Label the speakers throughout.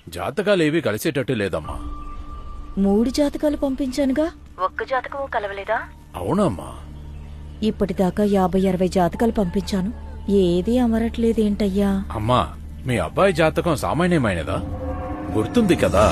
Speaker 1: జాతకాలేవి కలిసేటట్టు లేదమ్మా.
Speaker 2: 3 జాతకాలు పంపించానుగా, ఒక్క జాతకం కలవలేదా?
Speaker 1: అవునమ్మా.
Speaker 2: ఇప్పటిదాకా 50-60 జాతకాలు పంపించాను, ఏదీ అమరట్లేదేంటయ్యా?
Speaker 1: అమ్మా, మీ అబ్బాయి జాతకం సామాన్యమైనదా? గుర్తుంది కదా,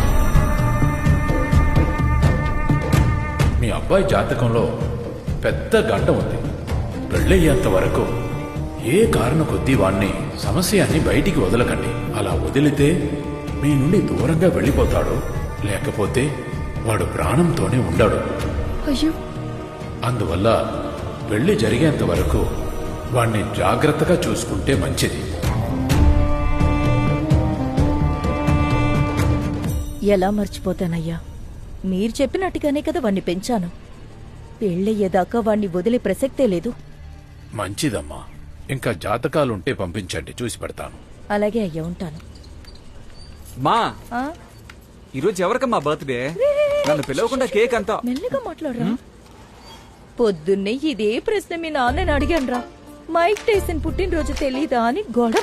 Speaker 1: మీ అబ్బాయి జాతకంలో పెద్ద గంట ఉంది. పెళ్ళయ్యేంత వరకు ఏ కారణం కొద్దీ వాణ్ణి సమస్యని బయటికి వదలకండి. అలా వదిలితే మీ నుండి దూరంగా వెళ్ళిపోతాడు, లేకపోతే వాడు ప్రాణంతోనే ఉండడు.
Speaker 2: అయ్యో,
Speaker 1: అందువల్ల పెళ్లి జరిగేంత వరకు వాణ్ణి జాగ్రత్తగా చూసుకుంటే మంచిది.
Speaker 2: ఎలా మర్చిపోతానయ్యా? మీరు చెప్పినట్టుగానే కదా వాణ్ణి పెంచాను. పెళ్ళయ్యేదాకా వాణ్ణి వదిలే ప్రసక్తే లేదు.
Speaker 1: మంచిదమ్మా. ఇంకా జాతకాలుంటే పంపించండి, చూసి పెడతాను.
Speaker 2: అలాగే అయ్యా, ఉంటాను.
Speaker 3: మా
Speaker 2: ఆ?
Speaker 3: ఈరోజు ఎవరికమ్మా బర్త్డే? నన్ను పిలవకుండా కేక్ అంతా.
Speaker 2: మెల్లగా మాట్లాడరా. పొద్దున్నే ఇదే ప్రశ్న మీ నాన్నని అడిగానురా. మైక్ టైసన్ పుట్టినరోజు తెలీదా అని గొడవ.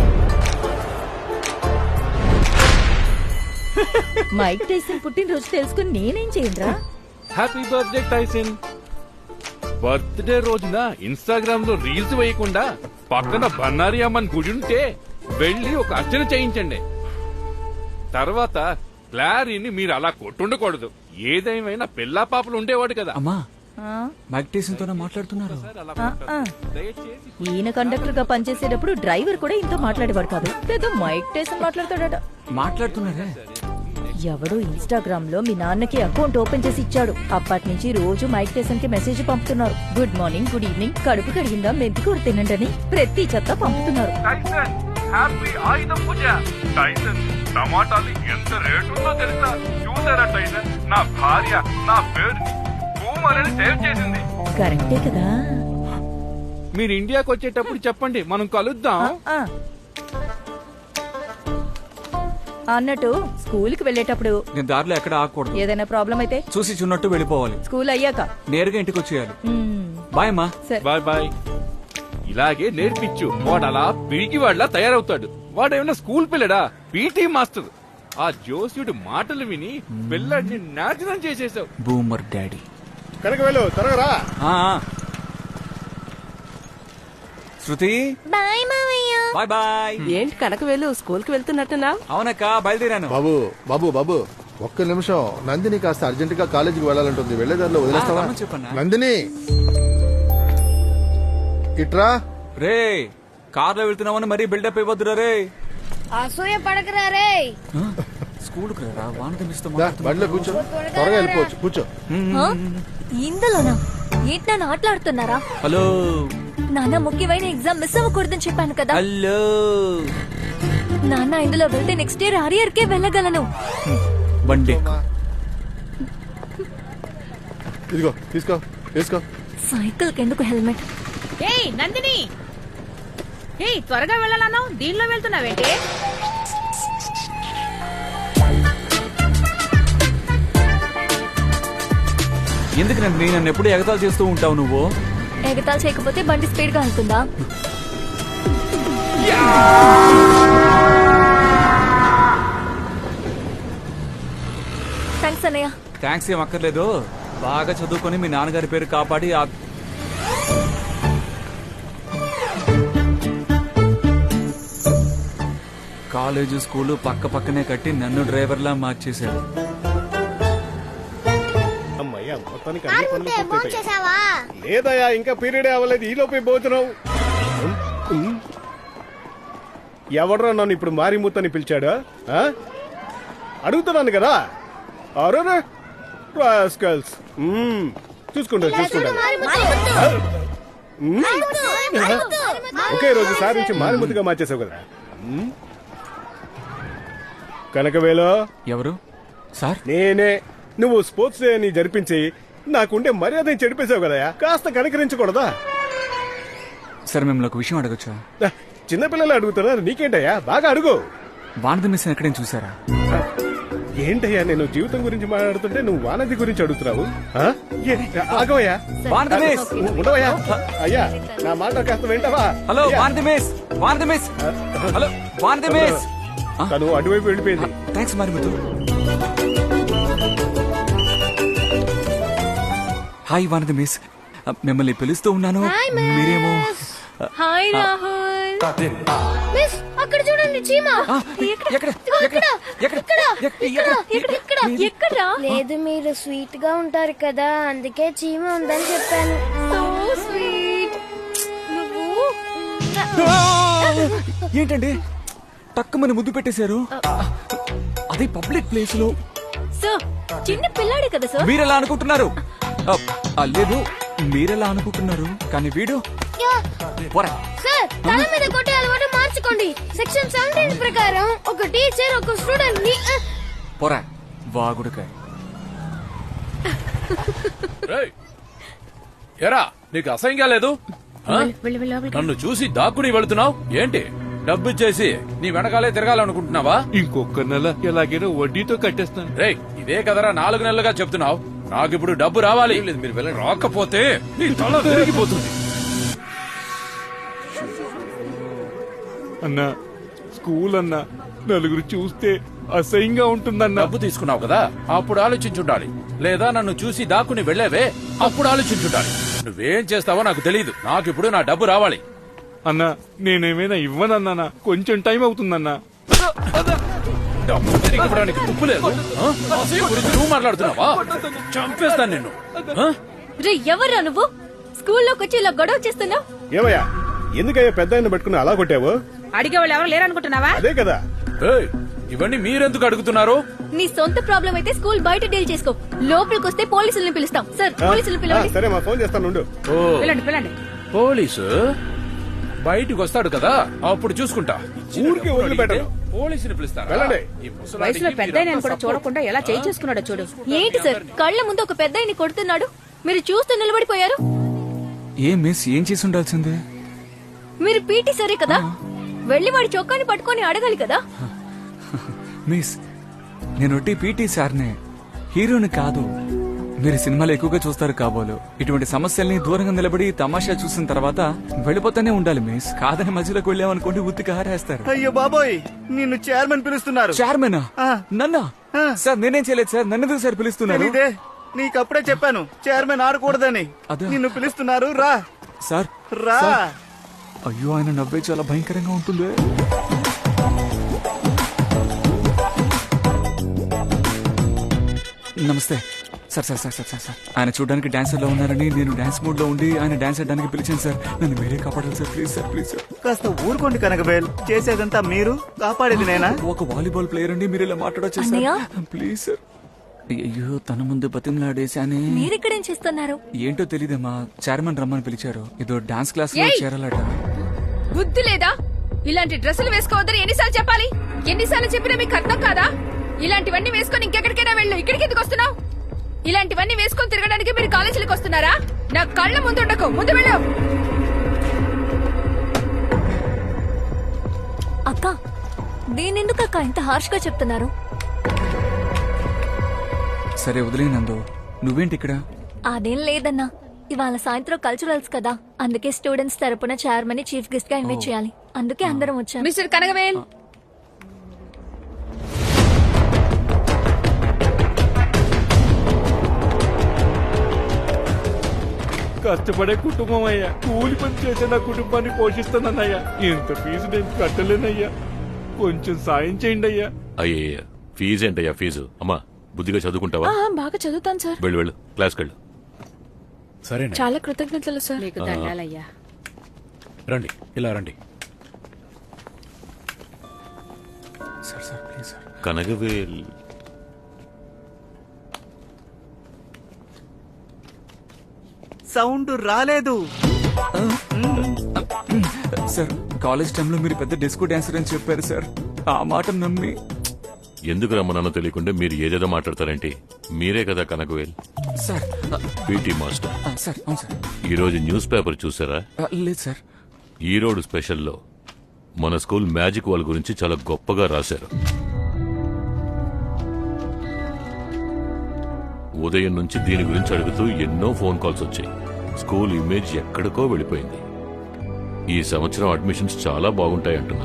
Speaker 2: మైక్ టైసన్ పుట్టినరోజు తెలుసుకుని నేనేం చేయనురా?
Speaker 4: Happy birthday Tyson. బర్త్డే రోజున ఇన్స్టాగ్రామ్ లో రీల్స్ వేయకుండా పక్కన బన్నారి అమ్మని గుడి ఉంటే వెళ్లి ఒక అర్చన చేయించండి. తర్వాత క్లారీని మీరు అలా కొట్టుండకూడదు. ఏదేమైనా పిల్లా పాపలు ఉండేవాడు కదా.
Speaker 3: అమ్మా,
Speaker 2: ఆ?
Speaker 3: మైక్ టైసన్ తోనే మాట్లాడుతున్నారు.
Speaker 2: ఆ. ఈయన కండక్టర్ గా పనిచేసేటప్పుడు డ్రైవర్ కూడా ఇంత మాట్లాడేవాడు కాదు. పెద్ద మైక్ టైసన్ మాట్లాడతాడట.
Speaker 3: మాట్లాడుతున్నారే.
Speaker 2: ఎవడో ఇన్స్టాగ్రామ్ లో మీ నాన్నకి అకౌంట్ ఓపెన్ చేసి ఇచ్చాడు. అప్పటి నుంచి రోజు మైక్ టైసన్ కి మెసేజ్ పంపుతున్నారు. గుడ్ మార్నింగ్, గుడ్ ఈవినింగ్, కడుపు కడిగిందా, మెంతి కూర తినండి అని ప్రతి చెత్త పంపుతున్నారు.
Speaker 4: Tyson happy Ayudha Puja. Tyson టమాటాలు ఎంత రేటు ఉందో తెలుసా? చూసారా టైసన్, నా భార్య నా పేరు భూమని సేవ్ చేసింది.
Speaker 2: కరెక్టే కదా.
Speaker 4: మీరు ఇండియాకి వచ్చేటప్పుడు చెప్పండి, మనం కలుద్దాం.
Speaker 2: ఆ. అన్నట్టు స్కూల్ కి వెళ్ళేటప్పుడు
Speaker 3: నేను దారిలో ఎక్కడ ఆగకూడదు.
Speaker 2: ఏదైనా ప్రాబ్లం అయితే
Speaker 3: చూసి చున్నట్టు వెళ్ళిపోవాలి.
Speaker 2: స్కూల్ అయ్యాక
Speaker 3: నేరుగా ఇంటికి వచ్చేయాలి.
Speaker 2: మ్మ్.
Speaker 3: బాయ్ అమ్మా.
Speaker 2: సరే.
Speaker 4: Bye bye. ఇలాగే నేర్పించు, వాడు అలా పిరికి వాడిలా తయారవుతాడు. వాడేమైనా స్కూల్ పిల్లడా? PT master. ఆ జోస్యుడి మాటలు విని పిల్లడిని నాశనం చేసేసావు.
Speaker 3: Boomer daddy.
Speaker 5: కనుక వెళ్ళు, త్వరగా రా.
Speaker 3: ఆ, ఆ. శృతి,
Speaker 6: బాయ్ మావయ్య.
Speaker 3: Bye bye.
Speaker 6: ఏంటి కనక వెళ్ళు, స్కూల్ కి వెళ్తున్నట్టున్నా?
Speaker 3: అవునక్క, బయలుదేరాను.
Speaker 5: బాబు బాబు బాబు ఒక్క నిమిషం. నందిని కాస్త అర్జెంట్ గా కాలేజీకి వెళ్ళాలంటుంది. వెళ్లేదారిలో వదిలేస్తావా?
Speaker 3: రమ్మని చెప్పన్నా.
Speaker 5: నందిని, ఇట్రా.
Speaker 3: రే, కార్లో వెళ్తున్నామని మరీ బిల్డప్ ఇవ్వద్దురా రే.
Speaker 6: అసూయ పడకరా రే.
Speaker 3: స్కూల్ కు రా, వాన తమిస్తూ
Speaker 5: దా, బండిలో కూర్చో, త్వరగా వెళ్ళిపోవచ్చు. కూర్చో.
Speaker 7: ఇందులోనా? ఏంటి నన్ను ఆటలాడుతున్నారా?
Speaker 3: హలో
Speaker 7: నాన్న, ముఖ్యమైన ఎగ్జామ్ మిస్ అవ్వకూడదని చెప్పాను కదా.
Speaker 3: హలో
Speaker 7: నాన్న, ఇందులో వెళ్తే నెక్స్ట్ ఇయర్ అరియర్ కే వెళ్ళగలను.
Speaker 3: బండి
Speaker 5: ఇదిగో తీసుకో, తీసుకో.
Speaker 7: సైకిల్ కెందుకు హెల్మెట్?
Speaker 6: ఏయ్ నందిని, ఏయ్ త్వరగా వెళ్ళాలను, దీనిలో వెళ్తున్నావేంటి?
Speaker 3: ఎందుకు నన్ను ఎప్పుడు ఎగతాలు చేస్తూ ఉంటావు నువ్వు?
Speaker 7: ఎగతాలు చేయకపోతే బండి స్పీడ్ గా వెళ్తుందా? థ్యాంక్స్ అన్నయ్య.
Speaker 3: థ్యాంక్స్ ఏం అక్కర్లేదు. బాగా చదువుకొని మీ నాన్నగారి పేరు కాపాడి కాలేజీ స్కూలు పక్క పక్కనే కట్టి నన్ను డ్రైవర్లా మార్చేశాడు.
Speaker 5: అమ్మయ్యా, మొత్తానికి అన్ని పనులు పూర్తయిపోయాయి. లేదయ్యా, ఇంకా పీరియడే అవ్వలేదు. ఈ లోపే పోతున్నావు. ఎవడరా నన్ను ఇప్పుడు మారిమూతని పిలిచాడా? అడుగుతున్నాను కదా. అరే రాస్కల్స్. చూసుకుంటా చూసుకుంటా. ఒకే రోజు సారించి మారిమూతిగా మార్చేసావు కదా. కనకవేలో
Speaker 3: ఎవరు సార్?
Speaker 5: నేనే. నువ్వు స్పోర్ట్స్ డే అని జరిపించి నాకుండే మర్యాదని చెడిపేశావు కదా. కాస్త కనికరించకూడదా?
Speaker 3: సార్, మిమ్మల్ని ఒక విషయం అడగచ్చా?
Speaker 5: చిన్నపిల్లలు అడుగుతున్నారు, నీకేంటయ్యా? బాగా అడుగు.
Speaker 3: వానది మిస్ ఎక్కడైనా చూసారా?
Speaker 5: ఏంటయ్యా, నేను జీవితం గురించి మాట్లాడుతుంటే నువ్వు వానది గురించి అడుగుతున్నావు? ఆగవయ్యా, ఉండవయ్యా. అయ్యా, నా మాట కాస్త వింటావా?
Speaker 3: Hello Vanathi miss, Vanathi miss, hello Vanathi miss.
Speaker 5: తను అటువైపు వెళ్ళిపోయింది.
Speaker 3: Thanks Marimuthu. Hi Vanathi miss, మిమ్మల్ని పిలుస్తూ ఉన్నాను. మీరేమో
Speaker 7: హాయ్ రాహుల్.
Speaker 6: మిస్ అక్కడ చూడండి చీమ.
Speaker 7: ఎక్కడా?
Speaker 6: లేదు మీరు స్వీట్ గా ఉంటారు కదా అందుకే చీమ ఉందని చెప్పాను.
Speaker 7: So sweet. నువ్వు
Speaker 3: ఏంటండి టక్కుమని ముద్దు పెట్టేశారు? అది పబ్లిక్ ప్లేస్ లో.
Speaker 7: సార్ చిన్న పిల్లాడే కదా సార్.
Speaker 3: మీరెలా అనుకుంటున్నారు? లేదు మీరెలా అనుకుంటున్నారు, కానీ వీడు పోరా.
Speaker 6: సార్ తల మీద కొట్టే అలవాటు మార్చుకోండి. సెక్షన్ 17 ప్రకారం ఒక టీచర్ ఒక స్టూడెంట్ ని
Speaker 3: పోరా వాగుడుకాయ.
Speaker 1: రేయ్, ఎరా నీకు అసహ్యంగా లేదు? ఆ? నన్ను చూసి దాక్కుని వెళుతున్నావు ఏంటి? డబ్బు ఇచ్చేసి నీ వెనకాలే తిరగాలనుకుంటున్నావా?
Speaker 4: ఇంకొక నెల ఎలాగైనా వడ్డీతో కట్టేస్తాను.
Speaker 1: రేయ్, ఇదే కదరా 4 నెలలుగా చెప్తున్నావు. నాకిప్పుడు డబ్బు రావాలి. మీరు వెళ్ళండి. రాకపోతే నీ తల తిరిగిపోతుంది.
Speaker 4: అన్నా స్కూల్ అన్నా నలుగురు చూస్తే అసహ్యంగా ఉంటుందన్నా.
Speaker 1: డబ్బు తీసుకున్నావు కదా, అప్పుడు ఆలోచించుండాలి. లేదా నన్ను చూసి దాక్కుని వెళ్ళేవే, అప్పుడు ఆలోచించుండాలి. నువ్వేం చేస్తావో నాకు తెలియదు. నాకిప్పుడు నా డబ్బు రావాలి.
Speaker 4: అన్నా నేనేమైనా ఇవ్వనన్నానా? కొంచెం టైం అవుతుందన్నా.
Speaker 1: డబ్బు తిరిగి ఇవ్వడానికి తుప్పు లేదు. ఆ? అసహ్యం గురించి నువ్వు మాట్లాడుతున్నావా? చంపేస్తాను నిన్ను. ఆ?
Speaker 7: రే ఎవర్రా నువ్వు? స్కూల్లోకి వచ్చి ఇలా గొడవ చేస్తున్నావు?
Speaker 5: ఏమయ్యా, ఎందుకయ్యా పెద్ద ఆయన పట్టుకుని అలా కొట్టావు?
Speaker 6: అడిగే వాళ్ళు ఎవరు లేరనుకుంటున్నావా?
Speaker 5: అదే కదా.
Speaker 1: ఏయ్, ఇవన్నీ మీరెందుకు అడుగుతున్నారు?
Speaker 7: నీ సొంత ప్రాబ్లం అయితే స్కూల్ బయట డీల్ చేసుకో. లోపలికి వస్తే పోలీసుల్ని పిలుస్తాం. సార్ పోలీసులు పిలవండి.
Speaker 5: సరే మా ఫోన్ చేస్తాను ఉండు.
Speaker 1: ఓ,
Speaker 6: పిల్లండి.
Speaker 1: పోలీసు బయటికి వస్తాడు కదా, అప్పుడు చూసుకుంటా.
Speaker 5: ఊరికే వదిలిపెట్టను.
Speaker 1: పోలీసుని పిలుస్తారా?
Speaker 5: వెళ్ళండి.
Speaker 1: ఈ ముసలాడికి
Speaker 6: వయసులో పెద్ద
Speaker 1: మీరంతా
Speaker 6: కూడా
Speaker 1: support.
Speaker 6: చూడకుండా ఎలా చేయి చేసుకున్నాడో చూడు.
Speaker 7: ఏంటి సార్ కళ్ళ ముందు ఒక పెద్దాయిని కొడుతున్నాడు, మీరు చూస్తూ నిలబడిపోయారు?
Speaker 3: ఏ మిస్ ఏం చేసి ఉండాల్సిందే?
Speaker 7: మీరు పీటీ సరే కదా, వెళ్లి వాడి చొక్కాని పట్టుకొని అడగాలి కదా.
Speaker 3: మిస్ నేను పీటీ సార్నే, హీరోని కాదు. మీరు సినిమాలు ఎక్కువగా చూస్తారు కాబోలు. ఇటువంటి సమస్యల్ని దూరంగా నిలబడి తమాషా చూసిన తర్వాత వెళ్ళిపోతానే ఉండాలి మిస్. కాదని మధ్యలోకి వెళ్ళామనుకోండి ఉత్తికి హారేస్తారు.
Speaker 8: అయ్యో బాబోయ్, నిన్ను చైర్మన్ పిలుస్తున్నారు.
Speaker 3: చైర్మనా?
Speaker 8: ఆ.
Speaker 3: నన్నా?
Speaker 8: ఆ.
Speaker 3: సార్ నేనేం చేయలేదు సార్, నన్ను ఎందుకు సార్ పిలుస్తున్నారు?
Speaker 8: తెలీదే? నీకప్పుడే చెప్పాను చైర్మన్ ఆడకూడదని.
Speaker 3: అదే.
Speaker 8: నిన్ను పిలుస్తున్నారు, రా
Speaker 3: సార్
Speaker 8: రా.
Speaker 3: సార్. అయ్యో ఆయన నవ్వే చాలా భయంకరంగా ఉంటుంది. నమస్తే sir. Sir sir sir sir sir ఆయన చూడడానికి డాన్సర్ లో ఉన్నారని నేను డాన్స్ మూడ్ లో ఉండి ఆయన డాన్స్ ఆడడానికి పిలిచాను సార్. నన్ను మీరే కాపాడాలి sir, please sir, please sir.
Speaker 8: కాస్త ఊరుకోండి కనకబేల్, చేసేదంతా మీరు, కాపాడేది నేనా?
Speaker 3: ఒక వాలీబాల్ ప్లేయర్ అండి, మీరు ఇలా మాట్లాడొచ్చు
Speaker 7: అన్నయ్య?
Speaker 3: Sir, please sir. అయ్యో తన ముందు బతిమలాడేశానే.
Speaker 7: మీరిక్కడేం చేస్తున్నారు?
Speaker 3: ఏంటో తెలీదమ్మా, చైర్మన్ రమ్మని పిలిచారు. ఏదో డాన్స్ క్లాస్ లో చేరాలట.
Speaker 6: బుద్ధి లేదా? ఇలాంటి డ్రెస్సులు వేసుకోవద్దని ఎన్నిసార్లు చెప్పాలి? ఎన్నిసార్లు చెప్పినా మీకు అర్థం కాదా? ఇలాంటివన్నీ వేసుకొని ఇంకెక్కడికైనా వెళ్ళు. ఇక్కడికి ఎందుకు వస్తున్నావు? ఇలాంటివన్నీ వేసుకొని తిరగడానికి మీరు కాలేజీలకు వస్తున్నారా? నా కళ్ళ ముందు ఉండకు, ముందు వెళ్ళు.
Speaker 7: అక్క నేనెందుకు అక్క ఇంత హార్ష్ గా చెప్తున్నారు?
Speaker 3: సరే వదిలేనందు, నువ్వేంటి ఇక్కడ?
Speaker 7: అదేం లేదన్నా, ఇవాళ సాయంత్రం కల్చరల్స్ కదా, అందుకే స్టూడెంట్స్ తరపున చైర్మన్ ని చీఫ్ గెస్ట్ గా ఇన్వైట్ చేయాలి. అందుకే అందరం వచ్చాం.
Speaker 6: మిస్టర్ కనగవేల్,
Speaker 4: కష్టపడే కుటుంబం అయ్యా. కూలి పని చేసే నా కుటుంబాన్ని పోషిస్తానన్నయ్యా. ఇంత ఫీజు నేను కట్టలేనయ్యా. కొంచెం సాయం చేయండి అయ్యా.
Speaker 9: అయ్యయ్య, ఫీజు ఏంటయ్యా ఫీజు? అమ్మా బుద్ధిగా చదువుకుంటావా?
Speaker 6: బాగా చదువుతాను సార్.
Speaker 9: వెళ్ళు క్లాస్కి వెళ్ళు.
Speaker 1: సరే
Speaker 6: చాలా కృతజ్ఞతలు సార్. మీకు ధన్యాలయ్యా.
Speaker 1: రండి, ఇలా రండి.
Speaker 3: Sir sir please sir.
Speaker 9: Kanagavel
Speaker 8: sound రాలేదు.
Speaker 3: సార్ కాలేజ్ టైంలో మీరు పెద్ద డిస్కో డాన్సర్ అని చెప్పారు సార్. ఆ మాట నమ్మి
Speaker 9: ఎందుకు రమ్మన్నానో తెలియకుండా మీరు ఏదేదో మాట్లాడతారేంటి? మీరే కదా Kanagavel,
Speaker 3: sir.
Speaker 9: PT master.
Speaker 3: Sir అవును సార్.
Speaker 9: ఈ రోజు న్యూస్ పేపర్ చూసారా?
Speaker 3: లేదు సార్.
Speaker 9: ఈరోడు స్పెషల్లో మన స్కూల్ మ్యాజిక్ వాల్ గురించి చాలా గొప్పగా రాశారు. ఉదయం నుంచి దీని గురించి అడుగుతూ ఎన్నో ఫోన్ కాల్స్ వచ్చాయి. స్కూల్ ఇమేజ్ ఎక్కడికో వెళ్ళిపోయింది. ఈ సంవత్సరం అడ్మిషన్స్ చాలా బాగుంటాయంటున్నారు.